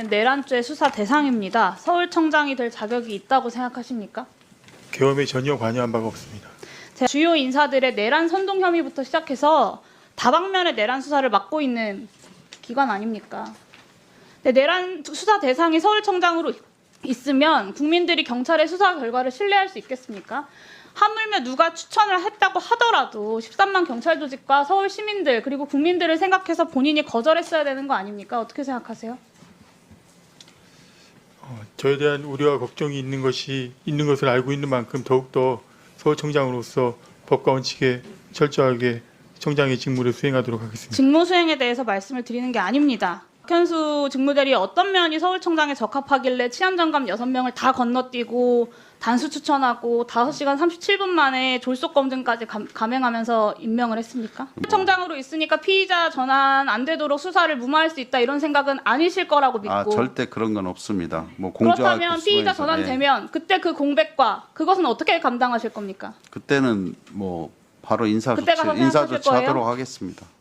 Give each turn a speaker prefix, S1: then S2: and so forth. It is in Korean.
S1: 있는 내란죄 수사 대상입니다. 서울청장이 될 자격이 있다고 생각하십니까?
S2: 계엄에 전혀 관여한 바가 없습니다.
S1: 주요 인사들의 내란 선동 혐의부터 시작해서 다방면의 내란 수사를 맡고 있는 기관 아닙니까? 내란 수사 대상이 서울청장으로 있으면 국민들이 경찰의 수사 결과를 신뢰할 수 있겠습니까? 하물며 누가 추천을 했다고 하더라도 13만 경찰 조직과 서울 시민들 그리고 국민들을 생각해서 본인이 거절했어야 되는 거 아닙니까? 어떻게 생각하세요?
S2: 저에 대한 우려와 걱정이 있는 것을 알고 있는 만큼 더욱더 서울청장으로서 법과 원칙에 철저하게 청장의 직무를 수행하도록 하겠습니다.
S1: 직무 수행에 대해서 말씀을 드리는 게 아닙니다. 박현수 직무대리 어떤 면이 서울청장에 적합하길래 치안정감 6명을 다 건너뛰고 단수 추천하고 5시간 37분 만에 졸속 검증까지 감행하면서 임명을 했습니까? 서울청장으로 있으니까 피의자 전환 안 되도록 수사를 무마할 수 있다 이런 생각은 아니실 거라고 믿고
S3: 절대 그런 건 없습니다. 뭐 공조할
S1: 그렇다면 피의자 전환되면 그때 그 공백과 그것은 어떻게 감당하실 겁니까?
S3: 그때는 뭐 바로 인사
S1: 그때 가서
S3: 조치
S1: 생각하실 거예요?
S3: 하도록 하겠습니다.